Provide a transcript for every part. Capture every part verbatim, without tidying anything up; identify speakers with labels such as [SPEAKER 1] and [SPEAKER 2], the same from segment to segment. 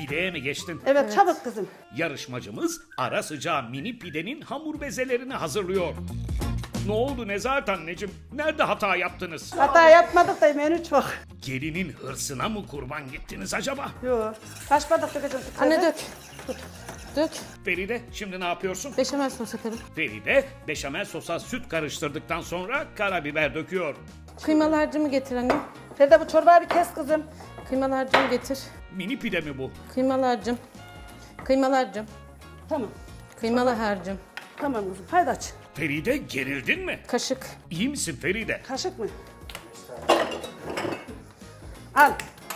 [SPEAKER 1] Pideye mi geçtin?
[SPEAKER 2] Evet,
[SPEAKER 3] Evet.
[SPEAKER 2] çabuk kızım.
[SPEAKER 1] Yarışmacımız ara sıcağı mini pidenin hamur bezelerini hazırlıyor. Ne oldu Nezahat anneciğim? Nerede hata yaptınız?
[SPEAKER 2] Hata yapmadık da menü çok.
[SPEAKER 1] Gelinin hırsına mı kurban gittiniz acaba?
[SPEAKER 2] Yok. Kaç bardak dökeceğim?
[SPEAKER 3] Anne dök. Dök.
[SPEAKER 1] Feride şimdi ne yapıyorsun?
[SPEAKER 3] Beşamel sos yaparım.
[SPEAKER 1] Feride beşamel sosa süt karıştırdıktan sonra karabiber döküyor.
[SPEAKER 3] Kıymalı harcımı getir anne.
[SPEAKER 2] Feride bu çorbayı bir kes kızım.
[SPEAKER 3] Kıymalı harcımı getir.
[SPEAKER 1] Mini pide mi bu?
[SPEAKER 3] Kıymalı harcım. Kıymalı harcım.
[SPEAKER 2] Tamam.
[SPEAKER 3] Kıymalı harcım.
[SPEAKER 2] Tamam kızım. Haydi aç.
[SPEAKER 1] Feride gerildin mi?
[SPEAKER 3] Kaşık.
[SPEAKER 1] İyi misin Feride?
[SPEAKER 2] Kaşık mı? Al.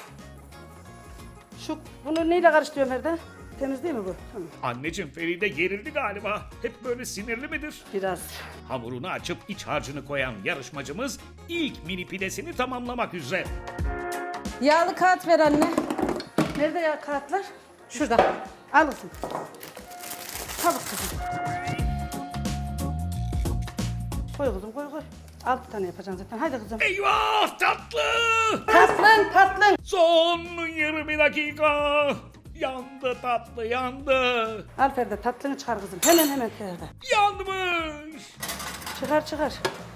[SPEAKER 2] Şu bunu neyle karıştırıyorum Feride? Temiz değil mi bu? Tamam.
[SPEAKER 1] Anneciğim Feride gerildi galiba. Hep böyle sinirli midir?
[SPEAKER 2] Biraz.
[SPEAKER 1] Hamurunu açıp iç harcını koyan yarışmacımız ilk mini pidesini tamamlamak üzere.
[SPEAKER 3] Yağlı kağıt ver anne.
[SPEAKER 2] Nerede ya kağıtlar?
[SPEAKER 3] Şurada.
[SPEAKER 2] Al kızım. Çabuk kızım. Koy kızım koy koy. Altı tane yapacaksın zaten. Haydi kızım.
[SPEAKER 1] Eyvah tatlı!
[SPEAKER 2] Tatlın tatlın.
[SPEAKER 1] Son yirmi dakika. Yandı tatlı yandı.
[SPEAKER 2] Al Feride tatlını çıkar kızım. Hemen hemen Feride.
[SPEAKER 1] Yanmış.
[SPEAKER 2] Çıkar çıkar.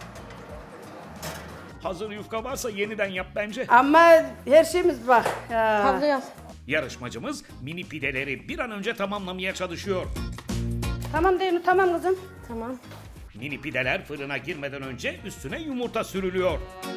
[SPEAKER 1] Hazır yufka varsa yeniden yap bence.
[SPEAKER 2] Ama her şeyimiz bak. Ya.
[SPEAKER 3] Havluyu al.
[SPEAKER 1] Yarışmacımız mini pideleri bir an önce tamamlamaya çalışıyor.
[SPEAKER 2] Tamam değil mi? Tamam kızım.
[SPEAKER 3] Tamam.
[SPEAKER 1] Mini pideler fırına girmeden önce üstüne yumurta sürülüyor.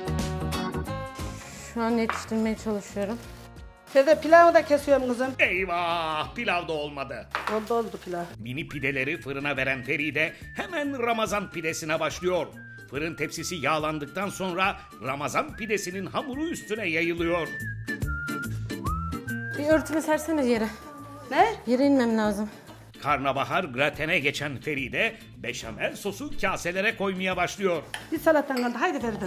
[SPEAKER 3] Şu an yetiştirmeye çalışıyorum.
[SPEAKER 2] Feride pilavı da kesiyorum kızım.
[SPEAKER 1] Eyvah pilav da olmadı.
[SPEAKER 2] Oldu oldu pilav.
[SPEAKER 1] Mini pideleri fırına veren Feride hemen Ramazan pidesine başlıyor. Fırın tepsisi yağlandıktan sonra Ramazan pidesinin hamuru üstüne yayılıyor.
[SPEAKER 3] Bir örtümü sersene yere.
[SPEAKER 2] Ne?
[SPEAKER 3] Yere inmem lazım.
[SPEAKER 1] Karnabahar gratene geçen Feride beşamel sosu kaselere koymaya başlıyor.
[SPEAKER 2] Bir salatan kaldı. Haydi Feride.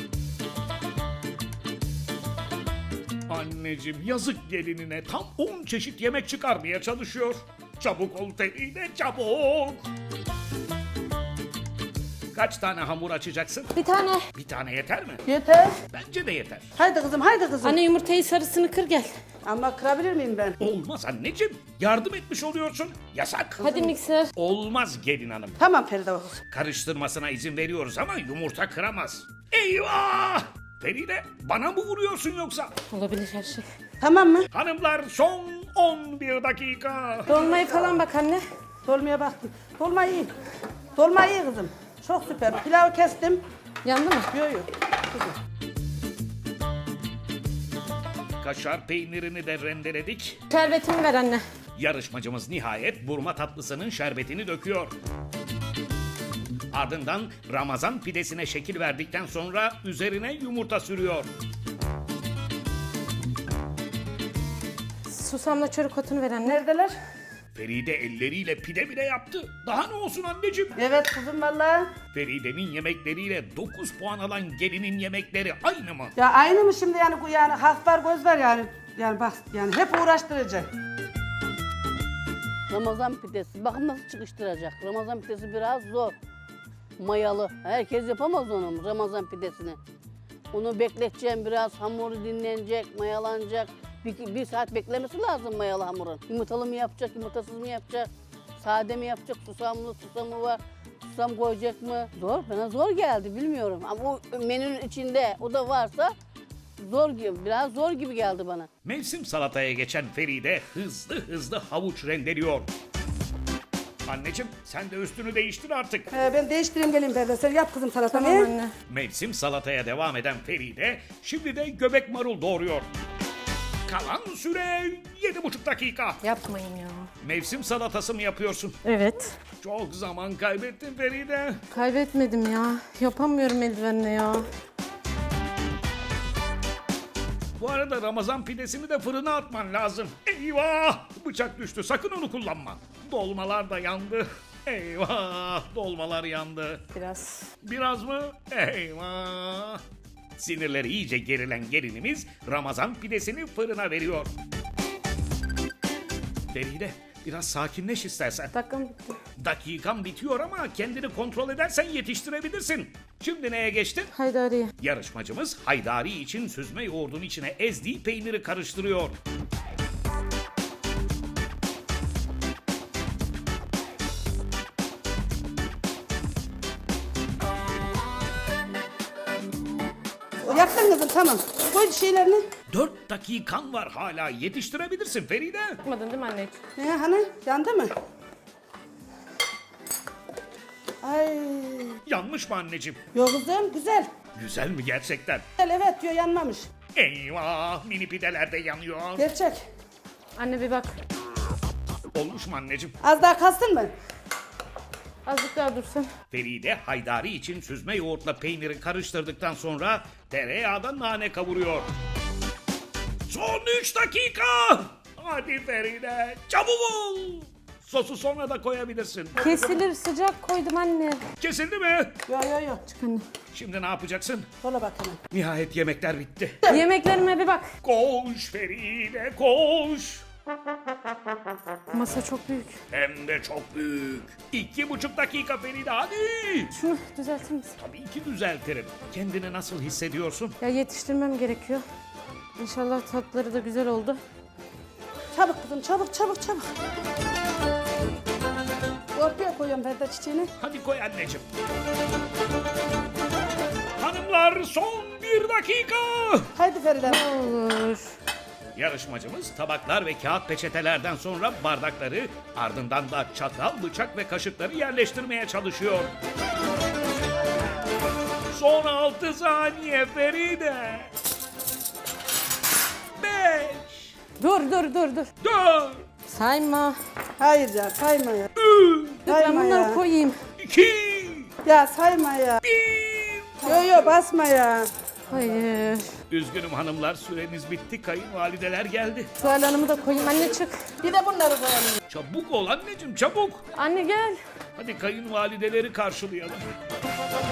[SPEAKER 1] Anneciğim yazık gelinine tam on çeşit yemek çıkarmaya çalışıyor. Çabuk ol Feride çabuk. Kaç tane hamur açacaksın?
[SPEAKER 3] Bir tane.
[SPEAKER 1] Bir tane yeter mi?
[SPEAKER 2] Yeter.
[SPEAKER 1] Bence de yeter.
[SPEAKER 2] Haydi kızım haydi kızım.
[SPEAKER 3] Anne yumurtayı sarısını kır gel.
[SPEAKER 2] Ama kırabilir miyim ben?
[SPEAKER 1] Olmaz anneciğim. Yardım etmiş oluyorsun. Yasak.
[SPEAKER 3] Hadi mikser.
[SPEAKER 1] Olmaz gelin hanım.
[SPEAKER 2] Tamam Feride bak kızım.
[SPEAKER 1] Karıştırmasına izin veriyoruz ama yumurta kıramaz. Eyvah! Feride bana mı vuruyorsun yoksa?
[SPEAKER 3] Olabilir her şey.
[SPEAKER 2] Tamam mı?
[SPEAKER 1] Hanımlar son on bir dakika.
[SPEAKER 3] Dolmayı falan bak anne.
[SPEAKER 2] Dolmaya baktım. Dolma iyi. Dolma iyi kızım. Çok süper. Pilavı kestim.
[SPEAKER 3] Yandı mı?
[SPEAKER 2] Yok yok. Kızım.
[SPEAKER 1] Kaşar peynirini de rendeledik.
[SPEAKER 3] Şerbetimi ver anne.
[SPEAKER 1] Yarışmacımız nihayet burma tatlısının şerbetini döküyor. Ardından Ramazan pidesine şekil verdikten sonra üzerine yumurta sürüyor.
[SPEAKER 3] Susamla çörek otunu ver anne.
[SPEAKER 2] Neredeler?
[SPEAKER 1] Feride elleriyle pide bile yaptı. Daha ne olsun anneciğim?
[SPEAKER 2] Evet kızım valla.
[SPEAKER 1] Feride'nin yemekleriyle dokuz puan alan gelinin yemekleri aynı mı?
[SPEAKER 2] Ya aynı mı şimdi yani bu yani hak var göz var yani. Yani bak yani hep uğraştırıcı.
[SPEAKER 4] Ramazan pidesi. Bakın nasıl çıkıştıracak. Ramazan pidesi biraz zor. Mayalı. Herkes yapamaz onu Ramazan pidesini. Onu bekleteceğim biraz. Hamuru dinlenecek, mayalanacak. Bir, bir saat beklemesi lazım mayalı hamurun. Yumurtalı mı yapacak, yumurtasız mı yapacak? Sade mi yapacak, susamlı, susamı var. Susam koyacak mı? Zor, bana zor geldi bilmiyorum. Ama o menünün içinde o da varsa zor gibi, biraz zor gibi geldi bana.
[SPEAKER 1] Mevsim salataya geçen Feride hızlı hızlı havuç rendeliyor. Anneciğim sen de üstünü değiştir artık.
[SPEAKER 2] Ee, ben değiştireyim geleyim Feride. Sen yap kızım salatanı.
[SPEAKER 3] Tamam anne.
[SPEAKER 1] Mevsim salataya devam eden Feride şimdi de göbek marul doğuruyor. Kalan süre yedi buçuk dakika.
[SPEAKER 3] Yapmayın ya.
[SPEAKER 1] Mevsim salatası mı yapıyorsun?
[SPEAKER 3] Evet.
[SPEAKER 1] Çok zaman kaybettin Feride.
[SPEAKER 3] Kaybetmedim ya. Yapamıyorum eldivenle ya.
[SPEAKER 1] Bu arada Ramazan pidesini de fırına atman lazım. Eyvah! Bıçak düştü. Sakın onu kullanma. Dolmalar da yandı. Eyvah! Dolmalar yandı.
[SPEAKER 3] Biraz.
[SPEAKER 1] Biraz mı? Eyvah! Sinirleri iyice gerilen gelinimiz Ramazan pidesini fırına veriyor. Feride biraz sakinleş istersen.
[SPEAKER 3] Dakikam bitti.
[SPEAKER 1] Dakikan bitiyor ama kendini kontrol edersen yetiştirebilirsin. Şimdi neye geçtin?
[SPEAKER 3] Haydariye.
[SPEAKER 1] Yarışmacımız haydari için süzme yoğurdun içine ezdiği peyniri karıştırıyor.
[SPEAKER 2] Yaktın kızım tamam. Koy şeylerini.
[SPEAKER 1] Dört dakikan var hala, yetiştirebilirsin Feride.
[SPEAKER 3] Yapmadın değil mi anneciğim?
[SPEAKER 2] He hani yandı mı? Ay.
[SPEAKER 1] Yanmış mı anneciğim?
[SPEAKER 2] Yok kızım güzel.
[SPEAKER 1] Güzel mi gerçekten?
[SPEAKER 2] Güzel evet diyor yanmamış.
[SPEAKER 1] Eyvah, mini pideler de yanıyor.
[SPEAKER 2] Gerçek.
[SPEAKER 3] Anne bir bak.
[SPEAKER 1] Olmuş mu anneciğim?
[SPEAKER 2] Az daha kastın mı?
[SPEAKER 3] Azıcık daha dursun.
[SPEAKER 1] Feride haydari için süzme yoğurtla peyniri karıştırdıktan sonra tereyağda nane kavuruyor. Son üç dakika. Hadi Feride, çabuk ol. Sosu sonra da koyabilirsin.
[SPEAKER 3] Kesilir sıcak koydum anne.
[SPEAKER 1] Kesildi mi?
[SPEAKER 2] Yok yok yok.
[SPEAKER 3] Anne.
[SPEAKER 1] Şimdi ne yapacaksın?
[SPEAKER 2] Sola bak hemen.
[SPEAKER 1] Nihayet yemekler bitti.
[SPEAKER 3] Yemeklerime bir bak.
[SPEAKER 1] Koş Feride, koş.
[SPEAKER 3] Masa çok büyük.
[SPEAKER 1] Hem de çok büyük. İki buçuk dakika Feride, hadi.
[SPEAKER 3] Şunu düzeltir misin?
[SPEAKER 1] Tabii ki düzeltirim. Kendini nasıl hissediyorsun?
[SPEAKER 3] Ya yetiştirmem gerekiyor. İnşallah tatları da güzel oldu.
[SPEAKER 2] Çabuk kızım çabuk çabuk çabuk. Ortaya koyuyorum ben de çiçeğini.
[SPEAKER 1] Hadi koy anneciğim. Hanımlar son bir dakika.
[SPEAKER 2] Haydi Feride.
[SPEAKER 3] Olur.
[SPEAKER 1] Yarışmacımız tabaklar ve kağıt peçetelerden sonra bardakları, ardından da çatal, bıçak ve kaşıkları yerleştirmeye çalışıyor. Son altı saniye Feride. Beş,
[SPEAKER 3] Dur dur dur dur.
[SPEAKER 1] dört,
[SPEAKER 3] Sayma.
[SPEAKER 2] Hayır ya sayma ya.
[SPEAKER 1] üç,
[SPEAKER 3] Ben
[SPEAKER 2] Sayma
[SPEAKER 3] bunları
[SPEAKER 2] ya.
[SPEAKER 3] koyayım.
[SPEAKER 1] iki,
[SPEAKER 2] Ya sayma ya.
[SPEAKER 1] bir.
[SPEAKER 2] Yo yo basma ya.
[SPEAKER 3] Hayır.
[SPEAKER 1] Üzgünüm hanımlar, süreniz bitti. Kayınvalideler geldi.
[SPEAKER 3] Tuval Hanım'ı da koyayım. Anne çık.
[SPEAKER 2] Bir de bunları koyalım.
[SPEAKER 1] Çabuk ol anneciğim, çabuk.
[SPEAKER 3] Anne gel.
[SPEAKER 1] Hadi kayınvalideleri karşılayalım.